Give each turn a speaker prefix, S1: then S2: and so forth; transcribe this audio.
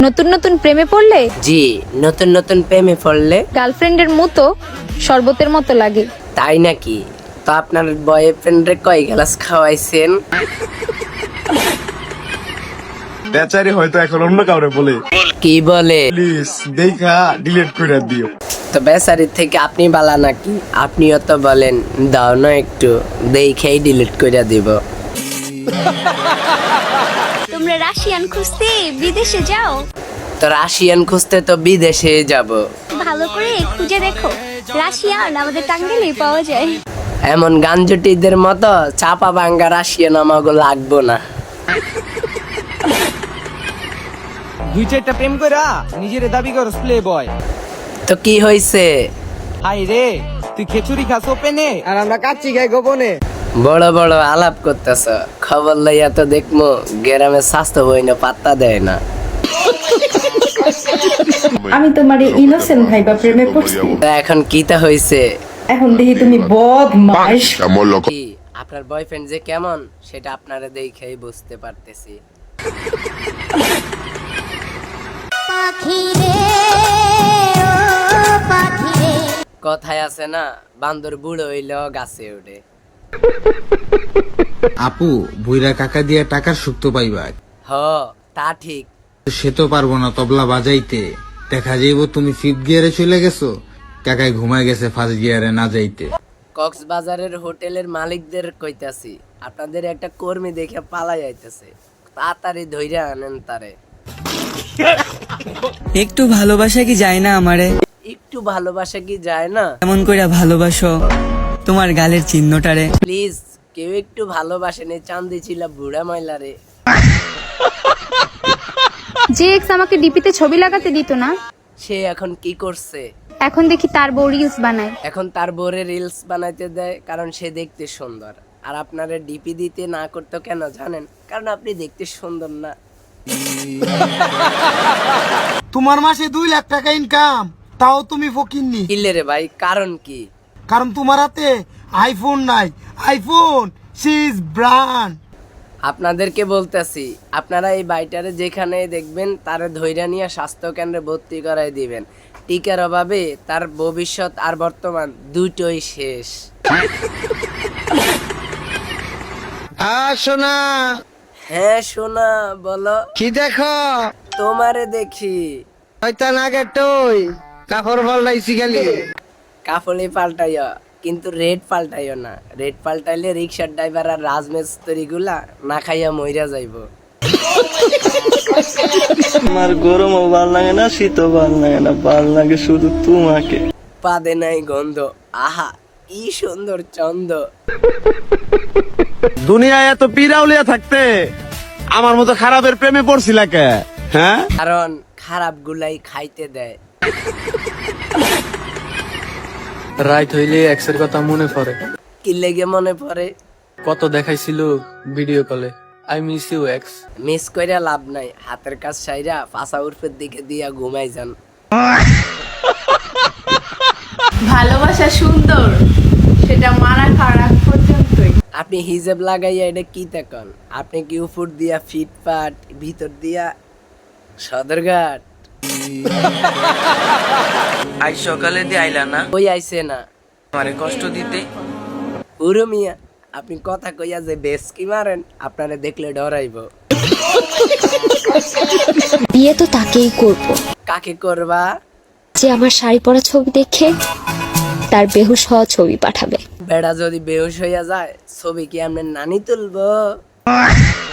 S1: নতুন নতুন প্রেমে পড়লে
S2: জি, নতুন নতুন প্রেমে পড়লে
S1: গার্লফ্রেন্ডের মতো শরবতের মতো লাগে।
S2: তাই নাকি? তো আপনার বয়ফ্রেন্ডে কয় গ্লাস খাওয়াইছেন?
S3: বেচারি হয়তো এখন অন্য কাউরে বলে,
S2: কি বলে?
S3: প্লিজ দেখা ডিলিট করে দিও।
S2: তো বেচারির থেকে আপনি বালা নাকি? আপনিও তো বলেন দাও না একটু, দেখেই ডিলিট করে দিব।
S4: তোমরা রাশিয়ান খুঁজতে বিদেশে যাও,
S2: তো রাশিয়ান খুঁজতে তো বিদেশে যাব।
S4: ভালো করে খুঁজে দেখো, রাশিয়ান আমাদের টাঙ্গাইলে পাওয়া যায়।
S2: এমন গাঞ্জটিদের মতো চাপা ভাঙ্গা রাশিয়ান আমাকে লাগবো না।
S5: দুই চারটা প্রেম কইরা নিজের দাবি করস প্লে বয়।
S2: তো কি হইছে?
S5: হাই রে, তুই খেচুরি খাস ওপেনে আর আমরা কাচ্চি খাই গোপনে।
S2: বড় বড় আলাপ করতেছ, খবর লইয়া তো দেখমু গ্রামে স্বাস্থ্য বই না পাত্তা দেয় না।
S6: আমি তোমার ইনোসেন্ট ভাইবা প্রেমে পড়ছি।
S2: তো এখন কিটা হইছে?
S6: এখন দেখি তুমি বদমাইশ।
S2: কি আপনার বয়ফ্রেন্ড যে কেমন সেটা আপনারা দেখেই বুঝতে পারতেছি। কথায় আছে না, বান্দর বুড়ো হইলেও গাছে ওঠে।
S7: আপু বুইরা কাকা দিয়া টাকার সুক্ত পাইবা,
S2: হ, তা ঠিক।
S7: সে তো পারবো না তবলা বাজাইতে। দেখা যাইব তুমি ফিফথ গিয়ারে চলে গেছো, কাকায় ঘুমায় গেছে ফার্স্ট গিয়ারে না যাইতে।
S2: কক্সবাজারের হোটেলের মালিকদের কইতাছি, আপনাদের একটা কর্মী দেখে পালাই আইতেছে, তাড়াতাড়ি ধইরা আনেন তারে।
S8: একটু ভালোবাসা কি যায় না আমারে?
S2: একটু ভালোবাসা কি যায় না?
S8: এমন কইরা ভালোবাসো তোমার গালের চিহ্নটারে।
S2: প্লিজ কেউ একটু ভালোবাসেনি, চান্দি ছিল বুড়া ময়লারে।
S1: যে এক্স আমাকে ডিপিতে ছবি লাগাতে দিত না,
S2: সে এখন কি করছে?
S1: এখন দেখি তার বউ রিলস বানায়।
S2: এখন তার বোরে রিলস বানাইতে দেয় কারণ সে দেখতে সুন্দর। আর আপনারা ডিপি দিতে না করতো কেন জানেন? কারণ আপনি দেখতে সুন্দর না।
S9: তোমার মাসে 2 লাখ টাকা ইনকাম, তাও তুমি ফকিন্নি।
S2: কিলে রে ভাই, কারণ কি?
S9: কারণ তোমার হাতে আইফোন নাই। আইফোন সিজ ব্র্যান্ড।
S2: আপনাদেরকে বলতেছি, আপনারা এই বাইটারে যেখানে দেখবেন তারে ধৈর্য নিয়ে স্বাস্থ্য কেন্দ্রে ভর্তি করাই দিবেন। টিকার অভাবে তার ভবিষ্যৎ আর বর্তমান দুটোই শেষ।
S5: শোনা
S2: হ্যাঁ সোনা, বলো।
S5: কি দেখো?
S2: তোমারে দেখি।
S5: শয়তান আগে তুই কাপড় পাল্টাইছি খালি।
S2: কাফলি পাল্টাইও, কিন্তু রেড পাল্টাইও না। রেড পাল্টাইলে রিক্সার ড্রাইভার আর রাজমিস্ত্রি গুলা না খাইয়া মইরা যাইবো।
S10: আমার গরমও ভাল লাগে না, শীতও ভাল লাগে না, ভাল লাগে শুধু তোমাকে।
S2: পাদে নাই গন্ধ, আহা কি সুন্দর চন্দ।
S3: দুনিয়ায় এত পিরাউলিয়া থাকতে আমার মতো খারাপের প্রেমে পড়ছিলা কে? হ্যাঁ,
S2: কারণ খারাপ গুলাই খাইতে দেয়।
S10: রাইত হইলে এক্সের কথা মনে পড়ে,
S2: কি লেগে মনে পড়ে?
S10: কত দেখাইছিল ভিডিও কলে। I miss you ex.
S2: Miss কইরা লাভ নাই, হাতের কাজ সাইরা পাছা উর্ফের দিকে দিয়া ঘুমাই যান।
S6: ভালোবাসা সুন্দর, সেটা মারা খারাপ পর্যন্তই।
S2: আপনি হিজাব লাগাইয়া এটা কি দেখেন? আপনি কি উপর দিয়া ফিটপাট, ভিতর দিয়া সদরঘাট?
S8: আজ সকালে দিয়ে আইলা না
S2: ওই আইছে না
S8: আমারে কষ্ট দিতে।
S2: পুরো মিয়া, আপনি কথা কইয়া যে বেশ কি মারেন, আপনারে দেখলে ডরাইব।
S4: বিয়ে তো তাকেই করব
S2: কাকে করবা?
S4: যে আমার শাড়ি পরা ছবি দেখে তার বেহুশ হওয়া ছবি পাঠাবে।
S2: বেড়া যদি বেহুশ হইয়া যায়, ছবি কি আপনার নানি তুলবো?